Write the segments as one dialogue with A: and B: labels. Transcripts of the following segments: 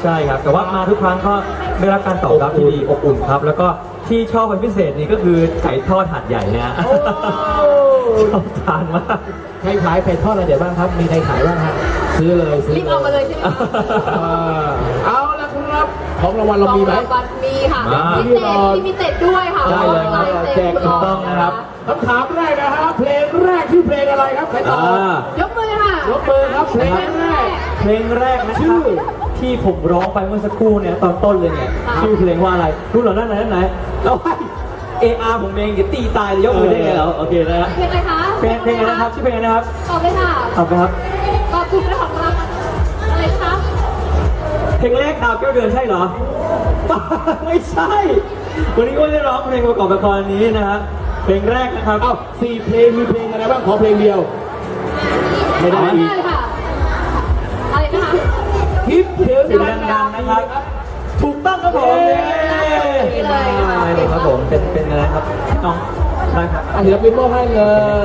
A: ใช่ครับแต่ว่ามาทุกครั้งก็ได้รับการตอบรับที่ดีอบอุ่นครับแล้วก็ที่ชอบเป็นพิเศษนี่ก็คือไก่ทอดหาดใหญ่นะชอบทานมาก
B: ใครขายไก่ทอดอะไรเดี๋ยวบ้างครับมีใครขายบ้างฮะซื้อเลยซื้อ
C: รีบเอามาเลยใช่ไหมคะ
B: เอาละครับของรางวัลเรามีไหม
C: ของรางวัลมีค่ะ
A: มา
C: พิเศษด้วยค่ะ
A: ได้เลยครับ
C: ลาย
B: แจ
C: เซ็
B: ก
C: น
B: ถูกต้องนะครับคำถามแรกนะฮะเพลงแรกชื่อเพลงอะไรครับใครตอบ
C: ยกมือค่ะ
B: ยกมือครับเพลงแรก
A: เพลงแรกนะค
B: ชื่
A: รับ
B: อ
A: ที่ผมร้องไปเมื่อสักครู่เนี่ยตอนต้นเลยเนี่ยชื่อเพลงว่าอะไรรู้เหรอนั่นไหนแล้วให้AR ผมเองจะตีตายยกมือได้ไงเหรอโอเคนะฮะ
C: เพลงอะไรคะ
A: เพลงอะไรนะครับชื่อเพลงอะไรนะครับ
C: ตอบเลยค่ะ
A: ตอบไปครับ
C: ตอบถูกได้ของรางวัลอะไรคะ
A: เพลงแรกดาวแก้วเดือนใช่เหรอ ไม่ใช่ วันนี้ก็ได้ร้องเพลงประกอบละครนี้นะฮะเพลงแรกนะครับ
B: เอ้า4เพลงมีเพลงอะไรบ้างขอเพลงเดียว ไม่ได้อีก
C: เลยค่ะอะไรนะคะ
B: คิดถึง
A: เสียงดังๆนะครับ ถูกต้องครับผม
C: นี่เลยค่ะ
A: ได้เลยครับผมเป็นอะไรครับน้องได้ครับ
B: อ่ะเดี๋ยวเป็นมอบให้เลย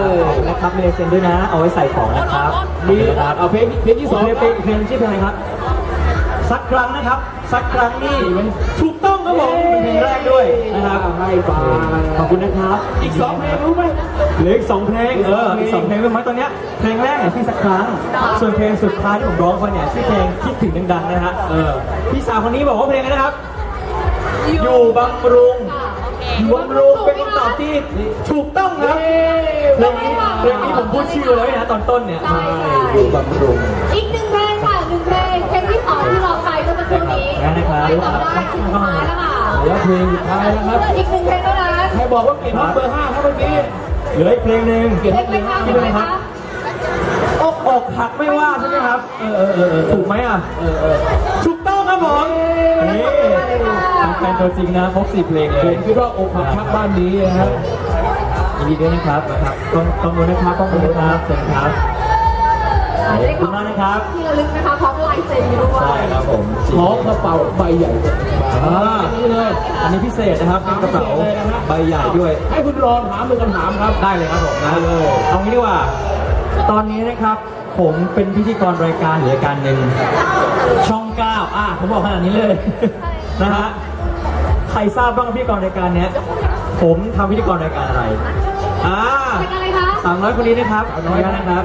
A: นะครับมีลายเซ็นด้วยนะ เอาไว้ใส่ของนะครับ
B: มี
A: นะครับ
B: เอาเพลงที่สอง
A: เพลงชื่อเพลงอะไรครับ สักครั้งนะครับ สักครั้งนี่ถูกต้องครับผมเป็นเพลงแรกด้วยนะครับ
B: ให้ไป
A: ขอบคุณนะครับ
B: อีก2เพลงรู้ไหม
A: เหลืออีก2เพลงอีก2เพลงรู้ไหมตอนเนี้ยเพลงแรกเนี่ยชื่อสักครั้งส่วนเพลงสุดท้ายที่ผมร้องไปเนี่ยชื่อเพลงคิดถึงดังๆนะฮะพี่สาวคนนี้บอกว่าเพลงอะไรนะครับ อยู่บำรุง อยู่บำรุงเป็นคำตอบที่ถูกต้องครับเพลงนี้ผมพูดชื่อเลยนะตอนต้นเนี่ย
C: ใช่ค่ะ
A: อยู่บำรุง
C: อีกหนึ่งเพลงค่ะหนึ่งเพลงเพลงที่สองที่เราไปเมื่อสักครู่นี้
A: นะครับ
C: ใครตอบได้สุดท้ายแล้วค่ะ
B: เดี๋ยวเพลงสุดท้ายแล้วครับ
C: อีกหนึ่งเพลงเท่านั้น
B: ใครบอกว่าเก่งท็อปเบอร์5ครับเมื่อกี้
A: เหลืออีกเพลงหนึ่ง
C: เพลงไหมคะ
A: ชื่อเพลงอะไรครับอกหักไม่ว่าใช่ไหมครับถูกไหมอ่ะถูกต้องครับผมนี่แฟนตัวจริงนะครบ4เพลงเล
B: ผ
A: ย
B: มคิดว่าอกหักทักบ้านนี้นะครับ
A: ยินดีด้วยนะครับต้องดูนะครับต้องดูนะครับเชิญครับขอบคุณมากนะครับ
C: ที่ระลึกนะคะพร้อมลายเซ็นอยู่ด้วย
A: ใช่ครับผม
B: ขอกระเป๋าใบใหญ่
A: นี่เลย อันนี้พิเศษนะครับเป็นกระเป๋าใบใหญ่ด้วย
B: ให้คุณรอนถามเป็นคำถามครับ
A: ได้เลยครับผมนะเอางี้ดีกว่า ตอนนี้นะครับ ผมเป็นพิธีกรรายการหรือรายการหนึ่งช่อง 9ผมบอกขนาดนี้เลยนะฮะใครทราบบ้างพิธีกรรายการเนี้ยผมทำพิธีกรรายการอะไร
C: เป็นอะไรคะ
A: 300คนนี้นะครับขออนุญาตนะครับ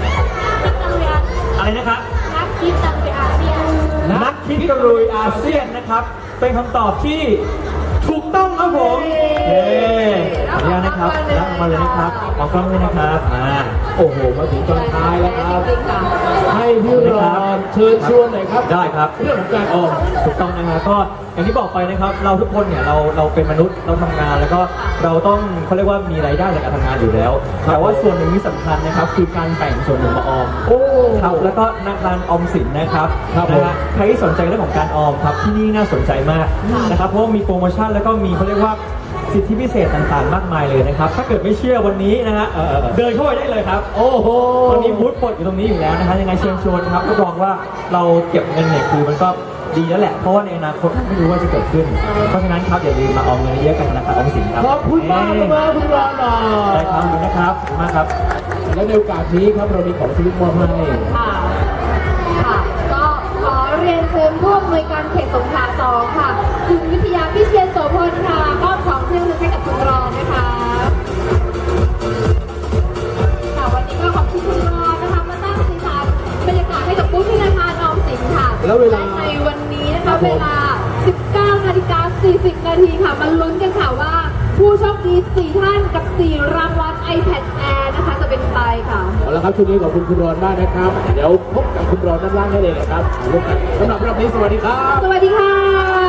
A: อะไรนะครับ
C: นักคิดตังไปอาเซียน
A: นักคิดกระลุยอาเซียนนะครับ เป็นคำตอบที่ถูกต้องครับผมขออนุญาตนะครับรับมาเลยนะครับขอกล้องด้วยนะครับ
B: โอ้โหมาถึงตอนท้ายแล้วครับ
C: จริงค่ะ
B: ให้พี่รอนเชิญชวนหน่อยครับ
A: ได้ครับ
B: เรื่องของการออม
A: ถูกต้องนะครับก็อย่างที่บอกไปนะครับ เราทุกคนเนี่ยเราเป็นมนุษย์เราทำงานแล้วก็เราต้องเขาเรียกว่ามีรายได้จากการทำงานอยู่แล้ว แต่ว่าส่วนหนึ่งที่สำคัญนะครับ คือการแบ่งส่วนหนึ่งมาออม
B: โอ้
A: ครับแล้วก็ธนาคารออมสินนะครับ
B: ครับ
A: นะฮะใครที่สนใจเรื่องของการออมครับที่นี่น่าสนใจมากนะครับเพราะว่ามีโปรโมชั่นแล้วก็มีเขาเรียกว่าสิทธิพิเศษต่างๆ มากมายเลยนะครับ ถ้าเกิดไม่เชื่อวันนี้นะฮะเดินเข้าไปได้เลยครับ
B: โอ้โห
A: วันนี้บูธปลดอยู่ตรงนี้อยู่แล้วนะฮะยังไงเชิญชวนครับรับรองว่าเราเก็บเงินเนี่ยคือมันก็ดีแล้วแหละเพราะว่าในอนาคตไม่รู้ว่าจะเกิดขึ้น เพราะฉะนั้นครับอย่าลืมมาออมเงินเยอะกันธนาคารออมสินครับ
B: ขอบคุณมากเลยคุณรอนหน่อ
A: ได้
B: ย
A: ครับขอบคุณนะครับขอบคุณมากครับ
B: และในโอกาสนี้ครับเรามีของที่มอบให้
C: ค่ะ ค่ะ ก็ขอเรียนเชิญผู้อำนวยการเขตสงขลา2ค่ะ คุณวิทยาพิเชียรโสพลค่ะมอบของเครื่องนึงให้กับคุณรองนะคะ ค่ะวันนี้ก็ขอบคุณคุณรองนะคะมาตั้งสีสันบรรยากาศให้กับผู้ธนาคารออมสินค่ะ
B: แล้วเวลา
C: ในวันนี้นะคะเวลา 19:40 นาทีค่ะมาลุ้นกันค่ะว่า ผู้โชคดี4ท่านกับ 4 รางวัล iPad Air นะคะจะเป็นใครค่ะ
B: เอาละครับช่วงนี้ขอบคุณคุณรอนมากนะครับ เดี๋ยวพบกับคุณรอนด้านล่างได้เลยนะครับสำหรับรอบนี้สวัสดีครับ
C: สวัสดีค่ะ